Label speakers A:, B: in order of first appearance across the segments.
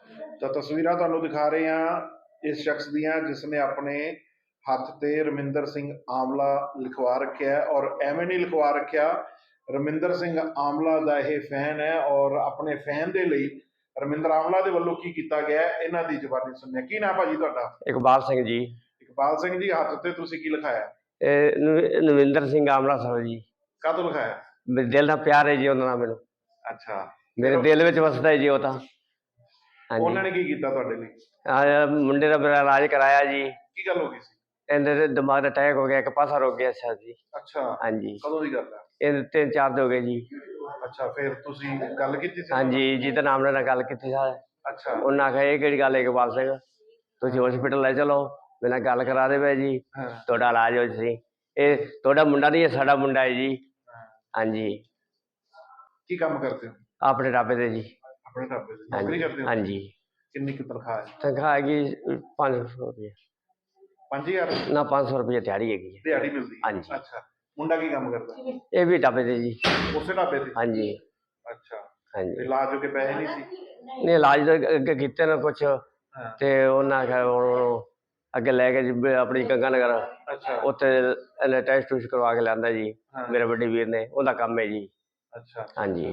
A: ਤਾਂ ਤਸਵੀਰਾਂ ਤੁਹਾਨੂੰ ਦਿਖਾ ਰਹੇ ਹਾਂ ਇਸ ਸ਼ਖਸ ਦੀਆਂ ਜਿਸਨੇ ਆਪਣੇ ਹੱਥ ਤੇ ਰਮਿੰਦਰ ਸਿੰਘ ਆਮਲਾ ਲਿਖਵਾ ਰੱਖਿਆ ਹੈ। ਔਰ ਐਵੇਂ ਨਹੀਂ ਲਿਖਵਾ ਰੱਖਿਆ, ਰਮਿੰਦਰ ਸਿੰਘ ਆਮਲਾ ਦਾ ਇਹ ਫੈਨ ਹੈ ਔਰ ਆਪਣੇ ਫੈਨ ਦੇ ਲਈ ਰਮਿੰਦਰ ਆਮਲਾ ਦੇ ਵੱਲੋਂ ਕੀ ਕੀਤਾ ਗਿਆ ਹੈ ਇਹਨਾਂ ਦੀ ਜ਼ੁਬਾਨੀ ਸੁਣਿਆ। ਕੀ ਨਾਮ ਭਾਜੀ ਤੁਹਾਡਾ?
B: ਇਕਬਾਲ ਸਿੰਘ ਜੀ।
A: ਇਕਬਾਲ ਸਿੰਘ ਜੀ, ਹੱਥ ਤੇ ਤੁਸੀਂ ਕੀ ਲਿਖਾਇਆ?
B: ਨਵਿੰਦਰ ਸਿੰਘ ਆਮਲਾ ਸਾਹਿਬ ਜੀ।
A: ਕਾਹਤੋਂ ਲਿਖਾਇਆ?
B: ਮੇਰੇ ਦਿਲ ਨਾਲ ਪਿਆਰ ਹੈ ਜੀ ਉਹਨਾਂ ਨਾਲ ਮੈਨੂੰ।
A: ਅੱਛਾ,
B: ਮੇਰੇ ਦਿਲ ਵਿੱਚ ਵਸਦਾ ਹੈ ਜੀ ਉਹ ਤਾਂ।
A: ਉਹਨਾਂ ਨੇ ਕੀ ਕੀਤਾ ਤੁਹਾਡੇ ਲਈ?
B: ਮੁੰਡੇ ਦਾ ਮੇਰਾ ਇਲਾਜ ਕਰਾਇਆ ਜੀ।
A: ਕੀ ਗੱਲ ਹੋ ਗਈ ਸੀ?
B: ਇਹਦੇ ਤੇ ਦਿਮਾਗ ਦਾ ਅਟੈਕ ਹੋ ਗਿਆ, ਇੱਕ ਪਾਸਾ ਰੁਕ ਗਿਆ ਸਰ ਜੀ।
A: ਅੱਛਾ,
B: ਹਾਂਜੀ।
A: ਕਦੋਂ ਦੀ ਗੱਲ ਹੈ?
B: ਇਹ 3-4 ਦਿਨ ਹੋ ਗਏ ਜੀ।
A: ਅੱਛਾ, ਫਿਰ ਤੁਸੀਂ ਗੱਲ ਕੀਤੀ ਸੀ?
B: ਹਾਂਜੀ, ਜਿਹਦੇ ਨਾਮ ਨਾਲ ਗੱਲ ਕੀਤੀ ਸਰ।
A: ਅੱਛਾ,
B: ਉਹਨਾਂ ਆਖਿਆ ਇਹ ਕਿਹੜੀ ਗੱਲ ਹੈ ਇਕਬਾਲ ਸਿੰਘ, ਤੁਸੀਂ ਹਸਪੀਟਲ ਲੈ ਚਲੋ, ਮੇਰੇ ਨਾਲ ਗੱਲ ਕਰਾ ਦੇਵੇ ਜੀ, ਤੁਹਾਡਾ ਇਲਾਜ ਹੋ ਜੀ। ਇਹ ਤੁਹਾਡਾ ਮੁੰਡਾ ਨਹੀਂ, ਇਹ ਸਾਡਾ ਮੁੰਡਾ ਹੈ ਜੀ। ਹਾਂਜੀ।
A: ਕੀ ਕੰਮ ਕਰਦੇ ਹੋ?
B: ਆਪਣੇ ਢਾਬੇ ਤੇ ਜੀ।
A: ਆਪਣੇ ਢਾਬੇ ਤੇ ਨੌਕਰੀ ਕਰਦੇ ਹੋ?
B: ਹਾਂਜੀ।
A: ਕਿੰਨੀ ਕੁ ਤਨਖਾਹ ਹੈ?
B: ਤਨਖਾਹ ਹੈਗੀ 500 ਰੁਪਏ।
A: 5000
B: ਨਾ 500 ਰੁਪਏ ਦਿਹਾੜੀ ਹੈਗੀ ਹੈ।
A: ਦਿਹਾੜੀ ਮਿਲਦੀ?
B: ਹਾਂਜੀ।
A: ਅੱਛਾ, ਮੁੰਡਾ ਕੀ ਕੰਮ ਕਰਦਾ?
B: ਇਹ ਵੀ ਢਾਬੇ ਤੇ ਜੀ।
A: ਉਸੇ ਢਾਬੇ ਤੇ?
B: ਹਾਂਜੀ।
A: ਅੱਛਾ।
B: ਹਾਂਜੀ।
A: ਇਲਾਜ ਹੋ ਕੇ ਪੈਸੇ ਨਹੀਂ ਸੀ?
B: ਨਹੀਂ, ਇਲਾਜ ਤਾਂ ਅੱਗੇ ਕੀਤੇ ਨਾ ਕੁਛ, ਤੇ ਉਹਨਾਂ ਆਖਿਆ ਹੁਣ ਅੱਗੇ ਲੈ ਕੇ ਜੀ ਆਪਣੀ ਗੰਗਾ ਨਗਰ।
A: ਅੱਛਾ।
B: ਉੱਥੇ ਇਹਨੇ ਟੈਸਟ ਟੂਸਟ ਕਰਵਾ ਕੇ ਲਿਆਂਦਾ ਜੀ, ਮੇਰੇ ਵੱਡੇ ਵੀਰ ਨੇ, ਉਹਦਾ ਕੰਮ ਹੈ ਜੀ।
A: ਅੱਛਾ।
B: ਹਾਂਜੀ।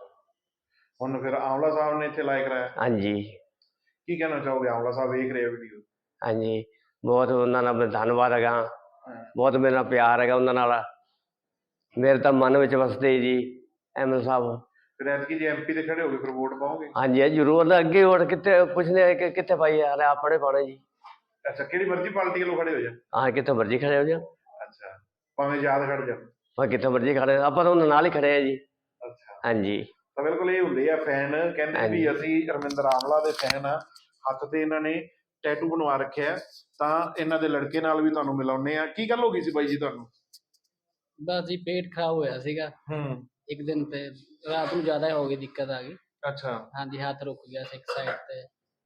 A: ਹੁਣ ਫਿਰ ਆਮਲਾ ਸਾਹਿਬ ਨੇ ਇੱਥੇ ਇਲਾਜ ਕਰਾਇਆ?
B: ਹਾਂਜੀ।
A: ਕੀ ਕਹਿਣਾ ਚਾਹੋਗੇ? ਆਮਲਾ ਸਾਹਿਬ ਵੇਖ ਰਹੇ ਵੀਡੀਓ।
B: ਹਾਂਜੀ, ਬਹੁਤ ਉਹਨਾਂ ਨਾਲ ਧੰਨਵਾਦ ਹੈਗਾ, ਬਹੁਤ ਮੇਰੇ ਨਾਲ ਪਿਆਰ ਹੈਗਾ ਉਹਨਾਂ ਨਾਲ, ਮੇਰੇ ਤਾਂ ਮਨ ਵਿੱਚ ਵਸਦੇ ਜੀ ਐਮਐਲ ਸਾਹਿਬ।
A: ਫਿਰ ਐਤਕੀ ਜੇ ਐਮਪੀ ਤੇ ਖੜੇ ਹੋ ਗਏ ਫਿਰ ਵੋਟ ਪਾਓਗੇ?
B: ਹਾਂਜੀ ਜ਼ਰੂਰ। ਅੱਗੇ ਵੋਟ ਕਿੱਥੇ ਪੁੱਛਦੇ ਕਿ ਕਿੱਥੇ ਪਾਈ ਯਾਰ, ਆਪਣੇ ਪਾਉਣੇ ਜੀ।
A: ਅੱਛਾ, ਕਿਹੜੀ ਮਰਜ਼ੀ ਪਾਰਟੀ ਵੱਲੋਂ ਖੜੇ ਹੋ ਜਾ?
B: ਹਾਂ, ਕਿੱਥੇ ਮਰਜ਼ੀ ਖੜੇ ਹੋ ਜਾ।
A: ਅੱਛਾ, ਭਾਵੇਂ ਯਾਦ ਖੜ ਜਾ।
B: ਹਾਂ, ਕਿੱਥੇ ਮਰਜ਼ੀ ਖੜੇ, ਆਪਾਂ ਤਾਂ ਉਹਨਾਂ ਨਾਲ ਹੀ ਖੜੇ ਆ ਜੀ।
A: ਅੱਛਾ।
B: ਹਾਂਜੀ।
A: ਤਾਂ ਬਿਲਕੁਲ ਇਹ ਹੁੰਦੇ ਆ ਫੈਨ, ਕਹਿੰਦੇ ਵੀ ਅਸੀਂ ਰਮਿੰਦਰ ਆਮਲਾ ਦੇ ਫੈਨ ਆ। ਹੱਥ ਤੇ ਇਹਨਾਂ ਨੇ ਟੈਟੂ ਬਣਵਾ ਰੱਖਿਆ। ਤਾਂ ਇਹਨਾਂ ਦੇ ਲੜਕੇ ਨਾਲ ਵੀ ਤੁਹਾਨੂੰ ਮਿਲਾਉਂਦੇ ਆ। ਕੀ ਗੱਲ ਹੋ ਗਈ ਸੀ ਬਾਈ ਜੀ ਤੁਹਾਨੂੰ?
C: ਬਸ ਜੀ ਪੇਟ ਖਰਾਬ ਹੋਇਆ ਸੀਗਾ ਇੱਕ ਦਿਨ, ਤੇ ਰਾਤ ਨੂੰ ਜ਼ਿਆਦਾ ਹੋ ਗਈ, ਦਿੱਕਤ ਆ ਗਈ।
A: ਅੱਛਾ।
C: ਹਾਂਜੀ, ਹੱਥ ਰੁਕ ਗਿਆ ਸੀ ਇੱਕ ਸਾਈਡ ਤੇ।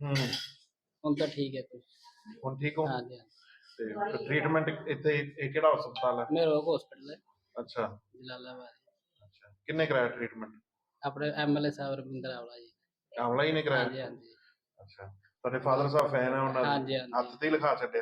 C: ਹੁਣ ਤਾਂ ਠੀਕ ਹੈ ਤੁਸੀਂ?
A: ਹੁਣ ਠੀਕ ਹੋ?
C: ਹਾਂਜੀ।
A: ਤੇ ਟ੍ਰੀਟਮੈਂਟ ਇੱਥੇ ਇਹ ਕਿਹੜਾ ਹਸਪਤਾਲ ਹੈ?
C: ਮੇਰਾ ਹਸਪੀਟਲ ਹੈ।
A: ਅੱਛਾ।
C: ਜਲਾਲਾਬਾਦ।
A: ਅੱਛਾ, ਕਿੰਨੇ ਕਰਾਇਆ ਟ੍ਰੀਟਮੈਂਟ?
C: ਆਪਣੇ ਐਮਐਲਏ ਸਾਹਿਬ ਰਵਿੰਦਰ ਆਵਲਾ ਜੀ।
A: ਆਮਲਾ ਹੀ ਨੇ ਕਰਾਇਆ?
C: ਹਾਂਜੀ ਹਾਂਜੀ।
A: ਅੱਛਾ, ਤੁਹਾਡੇ ਫਾਦਰ ਸਾਹਿਬ ਫੈਨ ਹੈ ਉਹਨਾਂ ਦੇ?
C: ਹਾਂਜੀ ਹਾਂਜੀ।
A: ਹੱਥ ਤੇ ਹੀ ਲਿਖਾ ਛੱਡਿਆ?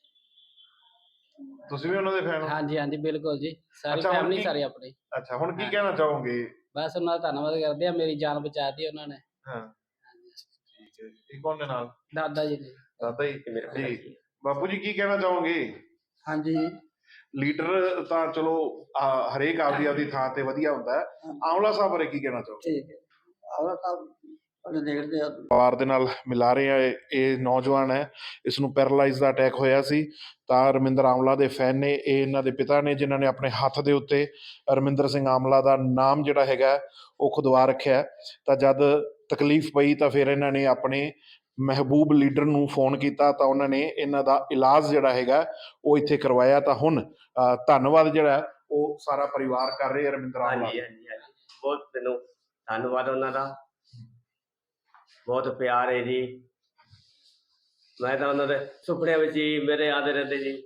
A: ਤੁਸੀਂ ਵੀ ਉਹਨਾਂ ਦੇ ਫੈਨ ਹੋ?
C: ਹਾਂਜੀ ਹਾਂਜੀ, ਬਿਲਕੁਲ ਜੀ, ਸਾਰੀ ਫੈਮਿਲੀ ਸਾਰੀ ਆਪਣੀ।
A: ਅੱਛਾ, ਹੁਣ ਕੀ ਕਹਿਣਾ ਚਾਹੋਗੇ?
C: ਬਸ ਉਹਨਾਂ ਦਾ ਧੰਨਵਾਦ ਕਰਦੇ ਆ, ਮੇਰੀ ਜਾਨ ਬਚਾਤੀ ਉਹਨਾਂ ਨੇ।
A: ਹਾਂ, ਠੀਕ ਹੈ। ਇਹ ਕੌਣ ਦੇ ਨਾਲ?
C: ਦਾਦਾ ਜੀ ਨੇ।
A: ਦਾਦਾ ਜੀ ਜੀ। ਬਾਪੂ ਜੀ ਕੀ ਕਹਿਣਾ ਚਾਹੋਗੇ?
D: ਹਾਂਜੀ,
A: ਲੀਡਰ ਤਾਂ ਚਲੋ ਹਰੇਕ ਆਪਦੀ ਆਪਦੀ ਥਾਂ ਤੇ ਵਧੀਆ ਹੁੰਦਾ ਹੈ, ਆਮਲਾ ਸਾਹਿਬ ਬਾਰੇ ਕੀ ਕਹਿਣਾ ਚਾਹੋਗੇ?
D: ਠੀਕ ਹੈ। ਆਮਲਾ ਸਾਹਿਬ ਦੇਖਦੇ ਆ
A: ਪਰਿਵਾਰ ਦੇ ਨਾਲ ਮਿਲਾ ਰਹੇ ਆ। ਇਹ ਨੌਜਵਾਨ ਹੈ, ਇਸ ਨੂੰ ਪੈਰਾਲਾਈਜ਼ ਦਾ ਅਟੈਕ ਹੋਇਆ ਸੀ। ਤਾਂ ਰਮਿੰਦਰ ਆਮਲਾ ਦੇ ਫੈਨ ਨੇ, ਇਹ ਇਹਨਾਂ ਦੇ ਪਿਤਾ ਨੇ, ਜਿਨ੍ਹਾਂ ਨੇ ਆਪਣੇ ਹੱਥ ਦੇ ਉੱਤੇ ਰਮਿੰਦਰ ਸਿੰਘ ਆਮਲਾ ਦਾ ਨਾਮ ਜਿਹੜਾ ਹੈਗਾ ਉਹ ਖੁਦਵਾ ਰੱਖਿਆ। ਤਾਂ ਜਦ ਤਕਲੀਫ ਪਈ ਤਾਂ ਫਿਰ ਇਹਨਾਂ ਨੇ ਆਪਣੇ ਮਹਿਬੂਬ ਲੀਡਰ ਨੂੰ ਫੋਨ ਕੀਤਾ, ਤਾਂ ਉਹਨਾਂ ਨੇ ਇਹਨਾਂ ਦਾ ਇਲਾਜ ਜਿਹੜਾ ਹੈਗਾ ਉਹ ਇੱਥੇ ਕਰਵਾਇਆ। ਤਾਂ ਹੁਣ ਧੰਨਵਾਦ ਜਿਹੜਾ ਉਹ ਸਾਰਾ ਪਰਿਵਾਰ ਕਰ ਰਹੇ ਰਮਿੰਦਰ ਆਮਲਾ।
B: ਹਾਂਜੀ ਹਾਂਜੀ ਹਾਂਜੀ, ਬਹੁਤ ਮੈਨੂੰ ਧੰਨਵਾਦ ਉਹਨਾਂ ਦਾ, ਬਹੁਤ ਪਿਆਰ ਹੈ ਜੀ। ਮੈਂ ਤਾਂ ਉਹਨਾਂ ਦੇ ਸੁਪਨਿਆਂ ਵਿੱਚ ਹੀ ਮੇਰੇ ਆਦੇ ਰਹਿੰਦੇ ਜੀ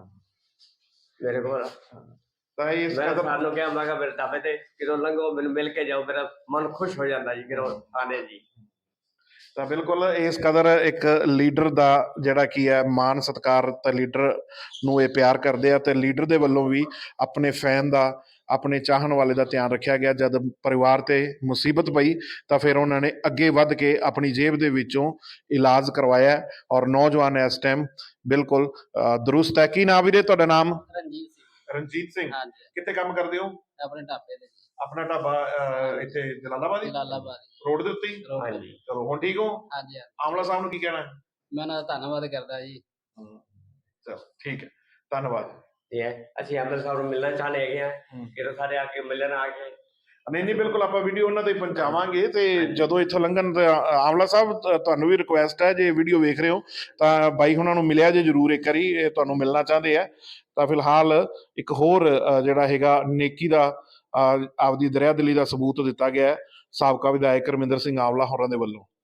B: ਮੇਰੇ ਕੋਲ।
A: ਤਾਂ ਇਸ
B: ਮੈਂ ਸਾਨੂੰ ਕਿਹਾ, ਮੈਂ ਕਿਹਾ ਮੇਰੇ ਢਾਬੇ ਤੇ ਕਿਦੋਂ ਲੰਘੋ ਮੈਨੂੰ ਮਿਲ ਕੇ ਜਾਓ, ਮੇਰਾ ਮਨ ਖੁਸ਼ ਹੋ ਜਾਂਦਾ ਜੀ ਕਿਦੋਂ ਆਨੇ ਜੀ।
A: ਤਾਂ ਬਿਲਕੁਲ ਇਸ ਕਦਰ ਇੱਕ ਲੀਡਰ ਦਾ ਜਿਹੜਾ ਕੀ ਹੈ ਮਾਣ ਸਤਿਕਾਰ, ਤਾਂ ਲੀਡਰ ਨੂੰ ਇਹ ਪਿਆਰ ਕਰਦੇ ਆ। ਤੇ ਲੀਡਰ ਦੇ ਵੱਲੋਂ ਵੀ ਆਪਣੇ ਫੈਨ ਦਾ, ਆਪਣੇ ਚਾਹਣ ਵਾਲੇ ਦਾ ਧਿਆਨ ਰੱਖਿਆ ਗਿਆ। ਜਦ ਪਰਿਵਾਰ ਤੇ ਮੁਸੀਬਤ ਪਈ ਤਾਂ ਫਿਰ ਉਹਨਾਂ ਨੇ ਅੱਗੇ ਵੱਧ ਕੇ ਆਪਣੀ ਜੇਬ ਦੇ ਵਿੱਚੋਂ ਇਲਾਜ ਕਰਵਾਇਆ। ਔਰ ਨੌਜਵਾਨ ਇਸ ਟਾਈਮ ਬਿਲਕੁਲ ਦਰੁਸਤ ਹੈ। ਕੀ ਨਾਮ ਵੀਰੇ ਤੁਹਾਡਾ? ਨਾਮ?
C: ਰਣਜੀਤ ਸਿੰਘ।
A: ਰਣਜੀਤ ਸਿੰਘ।
C: ਹਾਂਜੀ।
A: ਕਿੱਥੇ ਕੰਮ ਕਰਦੇ ਹੋ?
C: ਆਪਣੇ ਢਾਬੇ ਤੇ।
A: ਆਪਣਾ ਢਾਬਾ ਇੱਥੇ ਜਲਾਲਾਬਾਦ ਰੋਡ ਦੇ ਉੱਤੇ ਹੀ?
B: ਹਾਂਜੀ।
A: ਚਲੋ, ਹੁਣ ਠੀਕ ਹੋ?
C: ਹਾਂਜੀ।
A: ਆਮਲਾ ਸਾਹਿਬ ਨੂੰ ਕੀ ਕਹਿਣਾ?
C: ਮੈਂ ਉਹਨਾਂ ਦਾ ਧੰਨਵਾਦ ਕਰਦਾ ਜੀ।
A: ਚਲੋ ਠੀਕ ਹੈ, ਧੰਨਵਾਦ।
B: ਅਸੀਂ ਐਮਐਲ ਸਾਹਿਬ ਨੂੰ ਮਿਲਣਾ ਚਾਹੁੰਦੇ ਹੈਗੇ ਆ, ਕਿਦੋਂ ਸਾਰੇ ਆ ਕੇ ਮਿਲਣ ਆ ਕੇ।
A: ਨਹੀਂ ਬਿਲਕੁਲ, ਆਪਾਂ ਵੀਡੀਓ ਉਹਨਾਂ ਤੇ ਪਹੁੰਚਾਵਾਂਗੇ। ਤੇ ਜਦੋਂ ਇੱਥੋਂ ਲੰਘਣ ਆਮਲਾ ਸਾਹਿਬ, ਤੁਹਾਨੂੰ ਵੀ ਰਿਕੁਐਸਟ ਹੈ, ਜੇ ਵੀਡੀਓ ਵੇਖ ਰਹੇ ਹੋ ਤਾਂ ਬਾਈ ਉਹਨਾਂ ਨੂੰ ਮਿਲਿਆ ਜੇ ਜ਼ਰੂਰ ਇੱਕ ਵਾਰੀ, ਇਹ ਤੁਹਾਨੂੰ ਮਿਲਣਾ ਚਾਹੁੰਦੇ ਆ। ਤਾਂ ਫਿਲਹਾਲ ਇੱਕ ਹੋਰ ਜਿਹੜਾ ਹੈਗਾ ਨੇਕੀ ਦਾ, ਆਪਦੀ ਦਰਿਆਦਿਲੀ ਦਾ ਸਬੂਤ ਦਿੱਤਾ ਗਿਆ ਸਾਬਕਾ ਵਿਧਾਇਕ ਰਮਿੰਦਰ ਸਿੰਘ ਆਮਲਾ ਹੋਰਾਂ ਦੇ ਵੱਲੋਂ।